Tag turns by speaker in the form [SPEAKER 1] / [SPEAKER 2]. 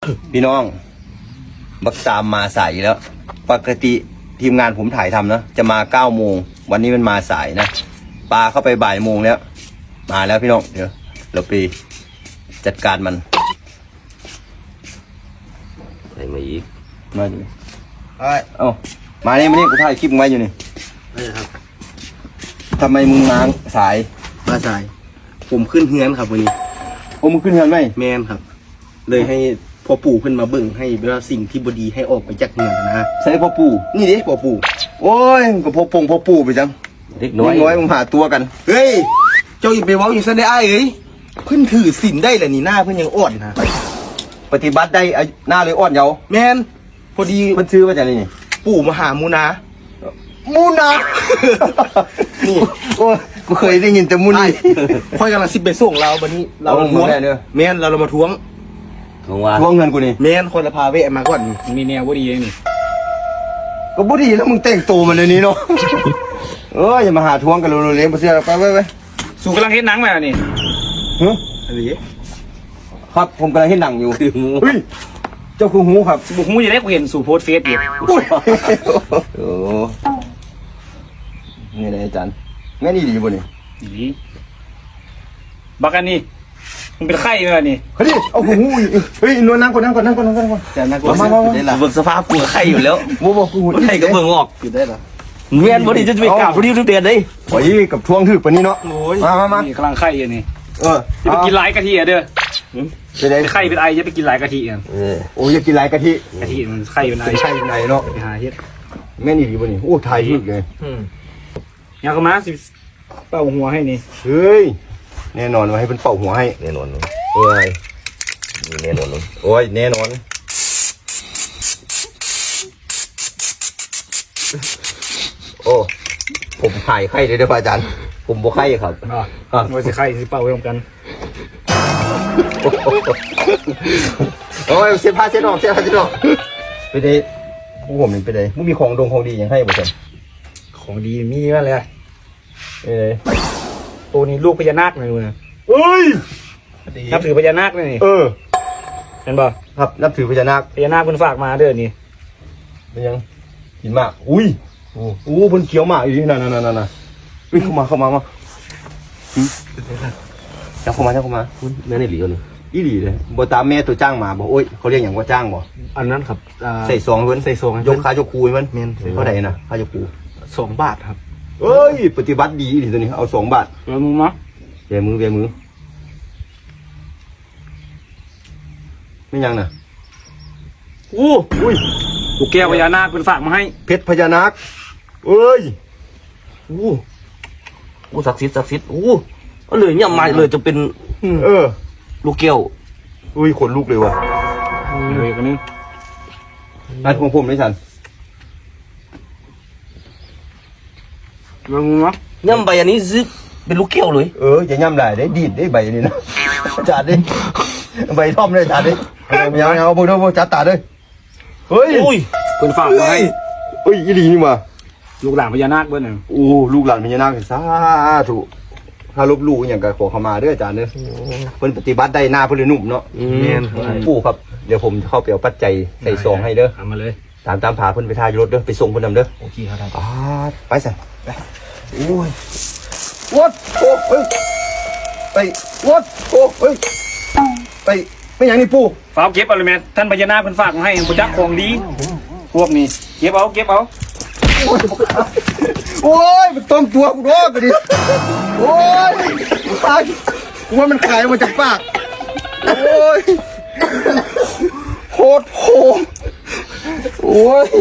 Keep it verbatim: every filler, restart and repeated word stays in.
[SPEAKER 1] พี่น้องบักตามมาสายแล้วปกติทีมงานผมถ่ายทำนะจะมาเก้าโมงวันนี้มันมาสายนะปลาเข้าไปบ่ายโมงแล้วมาแล้วพี่น้องเดี๋ยวเราไปจัดการมัน
[SPEAKER 2] ใส่มาอีก
[SPEAKER 1] มาดิเอ้ยเอ้ามาเนี่ยมาเนี่ยกูถ่ายคลิปมึงไว้อยู่นี่
[SPEAKER 3] นี่ครับ
[SPEAKER 1] ทำไมมึงมาสาย
[SPEAKER 3] มาสายผมขึ้นเฮือนครับวันนี้
[SPEAKER 1] โอ้มึงขึ้นเฮือนไหม
[SPEAKER 3] แมนครับเลยให้พ่อปู่ขึ้นมาเบิ่งให้เวลาสิ่งที่บดีให้ออกไปจากเฮือนนะ
[SPEAKER 1] ใส่พ่อปู่
[SPEAKER 3] นี่ดิพ่อปู่
[SPEAKER 1] โอ้ยก็พ่อปงพ่อปู่ไปจัง
[SPEAKER 2] เล็กน้อย
[SPEAKER 1] น้อยมึงหาตัวกัน
[SPEAKER 3] เฮ้ยเจ้าอย่าไปเว้าอย่างนั้นได้อ้ายเอ้ยเพิ่นถือศีลได้แหละนี่หน้าเพิ่นยังอ่อนนะ
[SPEAKER 1] ปฏิบัติได้หน้าเลยอ่อนเยาว์
[SPEAKER 3] แมนพอดี
[SPEAKER 1] มันซื้อมาจากนี่
[SPEAKER 3] ปู่มหามูนา
[SPEAKER 1] มูนานี่โอ้กูเคยได้ยินแต่มูนี่
[SPEAKER 3] ค่อยกำลังสิไปส่งเราวันนี้เราทวงแมนเราเรามาทวง
[SPEAKER 2] ทวงว่า
[SPEAKER 1] ทวงเงินกูนี่
[SPEAKER 3] แมนคนละพาเวะมาก่อน
[SPEAKER 4] มีแนวบ่ดีเลยนี่
[SPEAKER 1] ก็บ่ดีแล้วมึงแต่งตัวมันในนี้เนาะเอออย่ามาหาทวงกันเร็วๆเลยมาเสียไปไปไป
[SPEAKER 4] สู่กำลังเฮ็ดหนังมานี่
[SPEAKER 1] ฮะ
[SPEAKER 3] อะไร
[SPEAKER 1] ครับผมกำลังเห็นหนังอยู่เฮ้ยเจ้าคือหูครับ
[SPEAKER 4] บุกหูจะได้กูเห็นสู่โพสเฟซอยู่
[SPEAKER 1] โอ้นี่เลยอาจารย์แม่นี่ดีบ่นี่
[SPEAKER 4] ดีบักอันนี้มึงเป็นไข้มั้ยนี่
[SPEAKER 1] เฮ้ยเอาหูเฮ้ยนวลนั่งก่อนนั่งก่อนนั่งก่อนนั่งก่อน
[SPEAKER 3] จะนั่งก่อนมา
[SPEAKER 2] ได้ละเบิ่งสภาพกูไข่อยู่แล้ว
[SPEAKER 1] บ่บ่กู
[SPEAKER 2] ไข่ก็เบิ่งออก
[SPEAKER 3] อยู่ได้เหรอ
[SPEAKER 2] เวียนบ่ดีจะไปกราบบ่ดีทุกเดือนเด้
[SPEAKER 1] โอ้ยกับทวงถึกปานนี้เนาะมามามา
[SPEAKER 4] นี่กำลังไข้อยู่นี่
[SPEAKER 1] เออ
[SPEAKER 4] จะไปกินหลายกะทิอ่ะเด้อ
[SPEAKER 1] ไปได้
[SPEAKER 4] ไข้เป็นไอจะไปกินหลายกะทิกัน
[SPEAKER 1] เออโอ้ยอยากกินหลายกะทิ
[SPEAKER 4] กะทิมันไข้เป็นไอ
[SPEAKER 1] ใช่ไหนเนาะ
[SPEAKER 4] ไปหาเฮ็ด
[SPEAKER 1] แม่นี่ดีบ่นี่โอ้ถ่ายถึกเลย
[SPEAKER 4] อืมอยากมาสิเป่าหัวให้นี่
[SPEAKER 1] เฮ้ยแน่นอนว่าให้เพิ่นเป่าหัวให้
[SPEAKER 2] แน่นอน
[SPEAKER 1] เอ้ย
[SPEAKER 2] แน่นอน
[SPEAKER 1] โอ้ยแน่นอนโอ้ผมหายไข้เลยเด้ออาจารย์ผมบ่ไข้ครับ
[SPEAKER 4] อ่าว่าสิไข้สิเป่าไว้พร้อมกัน
[SPEAKER 1] โอ้ยเสียผ้าเสียดอกเสียผ้าเสียดอกไปได้ผู้ผมนี่ไปได้มึงมีของดงของดีอย่างให้บ่ซั่น
[SPEAKER 4] ของดีมีว่าเลย
[SPEAKER 1] เอ้ย
[SPEAKER 4] ตัวนี้ลูกพญานาคเลยมึง
[SPEAKER 1] เอ้ย
[SPEAKER 4] นับถือพญานาคเลยนี่
[SPEAKER 1] เออ
[SPEAKER 4] เห็นป่ะ
[SPEAKER 1] ครับนับถือพญานาค
[SPEAKER 4] พญานาคเพิ่นฝากมาเด้อนี่
[SPEAKER 1] เป็นยังกินมากอุ้ยโอ้โหเพิ่นเคี้ยวมากอยู่นั่นๆๆๆวิ่งเข้ามาเข้ามามาจับเข้ามาจับเข้ามา
[SPEAKER 2] แม่นอีหลีก่อนนี่
[SPEAKER 1] อีหลีเลยบ่ตามแม่ตัวจ้างมาบ่โอ้ยเขาเรียกหยังว่าจ้างบ่
[SPEAKER 3] อันนั้นครับ
[SPEAKER 1] ใส่ซองเพิ่น
[SPEAKER 3] ใส่ซอง
[SPEAKER 1] ยกขายกคูมัน
[SPEAKER 3] แม่น
[SPEAKER 1] เท่าใดน่ะขายกคู
[SPEAKER 3] สองบาทครับ
[SPEAKER 1] เอ้ยปฏิบัติดีอีหลีตัวนี้เอาสองบาท
[SPEAKER 4] เดี๋ยวมึงมา
[SPEAKER 1] เบียมือเบียมือไม่ยังน่ะ
[SPEAKER 4] อู้อุ้ยลูกแก้วพญานาคเพิ่นฝากมาให้
[SPEAKER 1] เพชรพญานาคเอ้ย
[SPEAKER 2] อู้อู้ศักดิ์สิทธิ์ศักดิ์สิทธิ์อู้เอาเลยเนี่ยมาเลยจะเป็น
[SPEAKER 1] เออ
[SPEAKER 2] ลูกแก้ว
[SPEAKER 1] อุ้ยขนลุกเลยว่ะ
[SPEAKER 4] เฮ้ยกันนึง
[SPEAKER 1] อันของผมไม่ทัน
[SPEAKER 4] มึงมา
[SPEAKER 2] ย่ำใบอันนี้ซึเป็นลูกแก้วเลย
[SPEAKER 1] เอออย่าย่ำหลายได้ดีดได้ใบนี้นะจัดดิใบท่อมเลยจัดดิไม่เอาเอาพวกนี้พวกจัดตัดเลยเฮ้ย
[SPEAKER 2] อุ้ย
[SPEAKER 4] คนฝากมาให้
[SPEAKER 1] เฮ้ยอีดีนี่มา
[SPEAKER 4] ลูกหลานพญานาคเบิ้ลน่ะ
[SPEAKER 1] โอ้ลูกหลานพญานาคสาธุถ้าลบลู่อย่างกับขอขมาด้วยอาจารย์เด้อเพิ่นปฏิบัติได้หน้าเพิ่นเลยนุ่มเนาะ
[SPEAKER 4] แม่น
[SPEAKER 1] ปู่ครับเดี๋ยวผมเข้าไปเอาปัจจัยใส่ซองให้เด้อ
[SPEAKER 4] เอามาเลย
[SPEAKER 1] ตามตามผาเพิ่นไปทายรถเด้อไปส่งเพิ่นนำเด้อ
[SPEAKER 4] โอเคครับ
[SPEAKER 1] อ่าไปสิไปโอ้ยวัดโอ้เฮ้ยไปวัดโอ้เฮ้ยไปไม่อย่างนี้ปู่
[SPEAKER 4] ฝากเก็บเอาเลยแม่ท่านพญานาคเพิ่นฝากมาให้บ่จักของดีพวกนี้เก็บเอาเก็บเอา
[SPEAKER 1] โอ้ยมันต้มตัวกูรอกดิโอ้ยตายกูว่ามันขายมาจากปากโอ้ยโคตรโหโอ้ย